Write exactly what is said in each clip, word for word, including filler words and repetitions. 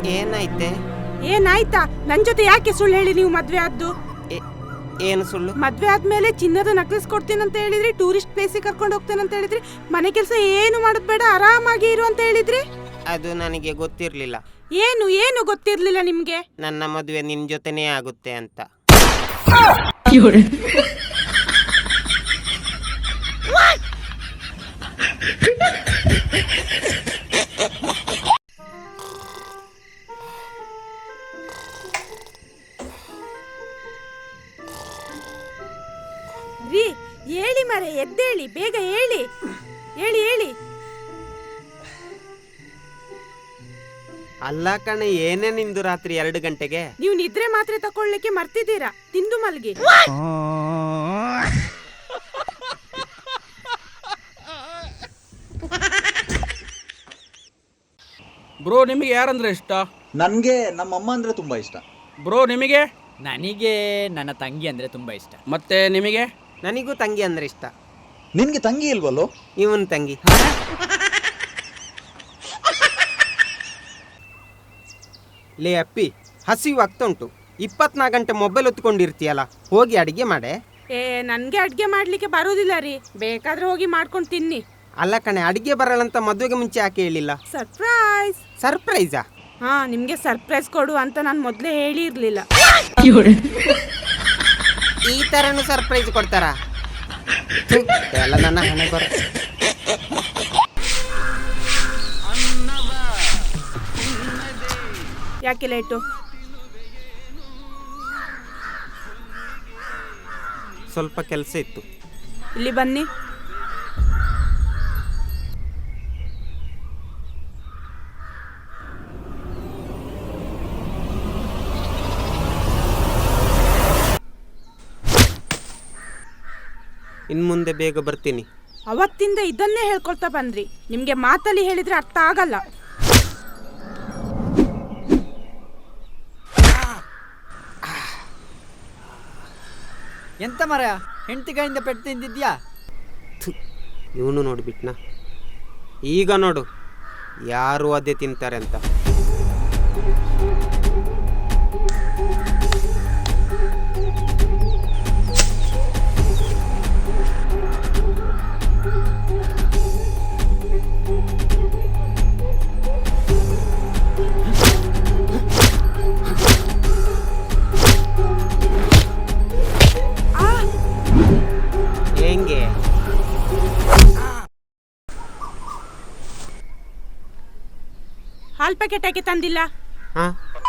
ಏನಾಯ್ತೆ? ಏನಾಯ್ತಾ? ನನ್ ಜೊತೆ ಯಾಕೆ ಸುಳ್ಳು ಹೇಳಿ ನೀವು ಮದ್ವೆ ಆದ್ದು? ಏನು ಸುಳ್ಳು? ಮದ್ವೆ ಆದ್ಮೇಲೆ ಚಿನ್ನದ ನಕ್ಲೆಸ್ ಕೊಡ್ತೀನಿ ಅಂತ ಹೇಳಿದ್ರಿ, ಟೂರಿಸ್ಟ್ ಪ್ಲೇಸಿಗೆ ಕರ್ಕೊಂಡು ಹೋಗ್ತೇನೆ ಅಂತ ಹೇಳಿದ್ರಿ, ಮನೆ ಕೆಲಸ ಏನು ಮಾಡೋದ್ ಬೇಡ ಆರಾಮಾಗಿ ಇರು ಅಂತ ಹೇಳಿದ್ರಿ. ಅದು ನನಗೆ ಗೊತ್ತಿರ್ಲಿಲ್ಲ. ಏನು ಏನು ಗೊತ್ತಿರ್ಲಿಲ್ಲ ನಿಮ್ಗೆ? ನನ್ನ ಮದುವೆ ನಿನ್ ಜೊತೆನೇ ಆಗುತ್ತೆ ಅಂತ. ರೀ ಹೇಳಿ ಮರೆ, ಎದ್ದೇಳಿ, ಬೇಗ ಹೇಳಿ ಹೇಳಿ ಹೇಳಿ. ಅಲ್ಲ ಕಣೆ, ಏನೇ ನಿಂದು ರಾತ್ರಿ ಎರಡು ಗಂಟೆಗೆ? ನೀವು ನಿದ್ರೆ ಮಾತ್ರೆ ತಕೊಳ್ಳಿಕ್ಕೆ ಮರ್ತಿದ್ದೀರಾ, ತಿಂದು ಮಲ್ಗಿ. ಬ್ರೋ ನಿಮಗೆ ಯಾರಂದ್ರೆ ಇಷ್ಟ? ನನಗೆ ನಮ್ಮ ಅಮ್ಮ ಅಂದ್ರೆ ತುಂಬಾ ಇಷ್ಟ. ಬ್ರೋ ನಿಮಗೆ? ನನಗೆ ನನ್ನ ತಂಗಿ ಅಂದರೆ ತುಂಬ ಇಷ್ಟ. ಮತ್ತೆ ನಿಮಗೆ? ನನಗೂ ತಂಗಿ ಅಂದ್ರೆ ಇಷ್ಟ. ನಿನ್ಗೆ ತಂಗಿ ಇಲ್ವಲ್ಲೋ? ಇವನ್ ತಂಗಿ. ಲೇ ಅಪ್ಪಿ, ಹಸಿವು ಆಗ್ತಾ ಉಂಟು. ಇಪ್ಪತ್ನಾಲ್ಕು ಗಂಟೆ ಮೊಬೈಲ್ ಹೊತ್ಕೊಂಡಿರ್ತೀಯಲ್ಲ, ಹೋಗಿ ಅಡಿಗೆ ಮಾಡೆ. ಏ ನನ್ಗೆ ಅಡ್ಗೆ ಮಾಡ್ಲಿಕ್ಕೆ ಬರೋದಿಲ್ಲ ರೀ, ಬೇಕಾದ್ರೆ ಹೋಗಿ ಮಾಡ್ಕೊಂಡು ತಿನ್ನಿ. ಅಲ್ಲ ಕಣೆ, ಅಡಿಗೆ ಬರಲ್ಲಂತ ಮದುವೆಗೆ ಮುಂಚೆ ಯಾಕೆ ಹೇಳಿಲ್ಲ? ಸರ್ಪ್ರೈಸ್. ಸರ್ಪ್ರೈಸಾ? ಹಾ, ನಿಮ್ಗೆ ಸರ್ಪ್ರೈಸ್ ಕೊಡು ಅಂತ ನಾನು ಮೊದಲೇ ಹೇಳಿರ್ಲಿಲ್ಲ. ಈ ತರನು ಸರ್ಪ್ರೈಸ್ ಕೊಡ್ತಾರ? ಎಲ್ಲ ನನ್ನ ಹಣೆ ಬರ. ಯಾಕೆ ಲೇಟು? ಸ್ವಲ್ಪ ಕೆಲಸ ಇತ್ತು. ಇಲ್ಲಿ ಬನ್ನಿ. ಇನ್ನು ಮುಂದೆ ಬೇಗ ಬರ್ತೀನಿ. ಅವತ್ತಿಂದ ಇದನ್ನೇ ಹೇಳ್ಕೊಳ್ತಾ ಬಂದ್ರಿ, ನಿಮ್ಗೆ ಮಾತಲ್ಲಿ ಹೇಳಿದ್ರೆ ಅರ್ಥ ಆಗಲ್ಲ. ಎಂತ ಮರ, ಹೆಂಡತಿ ಕೈಯಿಂದ ಪೆಟ್ಟು ತಿಂದಿದ್ಯಾ? ಇವನು ನೋಡಿಬಿಟ್ನಾ? ಈಗ ನೋಡು ಯಾರು ಅದೇ ತಿಂತಾರೆ ಅಂತ. ಹೆಂಗೆ? ಹಾಲ್ ಪ್ಯಾಕೆಟ್ ಯಾಕೆ ತಂದಿಲ್ಲ? ಹಾ,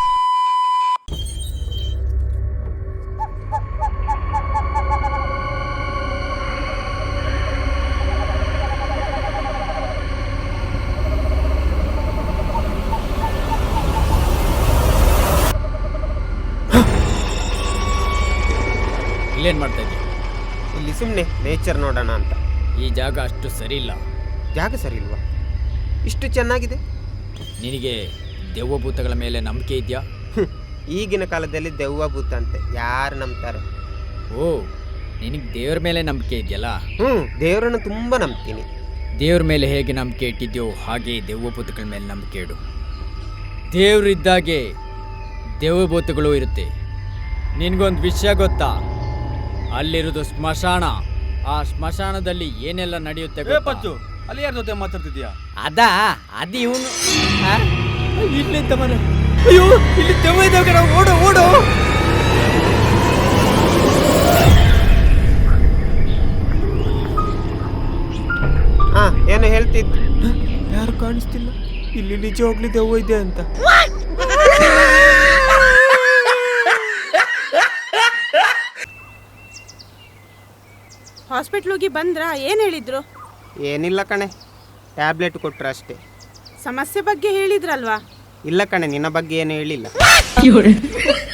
ಇಲ್ಲೇನು ಮಾಡ್ತಾ ಇದ್ದೀಯ? ಇಲ್ಲಿ ಸುಮ್ಮನೆ ನೇಚರ್ ನೋಡೋಣ ಅಂತ. ಈ ಜಾಗ ಅಷ್ಟು ಸರಿ ಇಲ್ಲ. ಜಾಗ ಸರಿ ಇಲ್ವಾ? ಇಷ್ಟು ಚೆನ್ನಾಗಿದೆ. ನಿನಗೆ ದೆವ್ವಭೂತಗಳ ಮೇಲೆ ನಂಬಿಕೆ ಇದೆಯಾ? ಈಗಿನ ಕಾಲದಲ್ಲಿ ದೆವ್ವ ಭೂತ ಅಂತೆ ಯಾರು ನಂಬ್ತಾರೆ? ಓ, ನಿನಗೆ ದೇವ್ರ ಮೇಲೆ ನಂಬಿಕೆ ಇದೆಯಲ್ಲ? ಹ್ಞೂ, ದೇವರನ್ನು ತುಂಬ ನಂಬ್ತೀನಿ. ದೇವ್ರ ಮೇಲೆ ಹೇಗೆ ನಂಬಿಕೆ ಇಟ್ಟಿದ್ಯೋ ಹಾಗೆ ದೆವ್ವಭೂತಗಳ ಮೇಲೆ ನಂಬಿಕೆ ಇಡು. ದೇವ್ರಿದ್ದಾಗೆ ದೆವ್ವಭೂತಗಳು ಇರುತ್ತೆ. ನಿನಗೊಂದು ವಿಷಯ ಗೊತ್ತಾ? ಅಲ್ಲಿರೋದು ಸ್ಮಶಾನ. ಆ ಸ್ಮಶಾನದಲ್ಲಿ ಏನೆಲ್ಲ ನಡೆಯುತ್ತೆ ಗೊತ್ತಾ? ಅಲ್ಲಿ ಯಾರ ಜೊತೆ ಮಾತಾಡ್ತಿದ್ಯಾ? ಅದಾ ಅದು ಇವನು ಇಲ್ಲಿಂದ ಮರ. ಅಯ್ಯೋ, ಇಲ್ಲಿ ದೆವ್ವ ಇದ್ದಾವೆ ಕಣ, ಓಡು ಓಡು. ಹಾ, ಏನು ಹೇಳ್ತಿದ್ದು? ಯಾರು ಕಾಣಿಸ್ತಿಲ್ಲ. ಇಲ್ಲಿ ನಿಜವಾಗ್ಲಿ ದೆವ್ವ ಇದೆ ಅಂತ. ಹಾಸ್ಪಿಟ್ಲ್ ಹೋಗಿ ಬಂದ್ರಾ? ಏನ್ ಹೇಳಿದ್ರು? ಏನಿಲ್ಲ ಕಣೆ, ಟ್ಯಾಬ್ಲೆಟ್ ಕೊಟ್ರು ಅಷ್ಟೇ. ಸಮಸ್ಯೆ ಬಗ್ಗೆ ಹೇಳಿದ್ರಲ್ವಾ? ಇಲ್ಲ ಕಣೆ, ನಿನ್ನ ಬಗ್ಗೆ ಏನು ಹೇಳಿಲ್ಲ.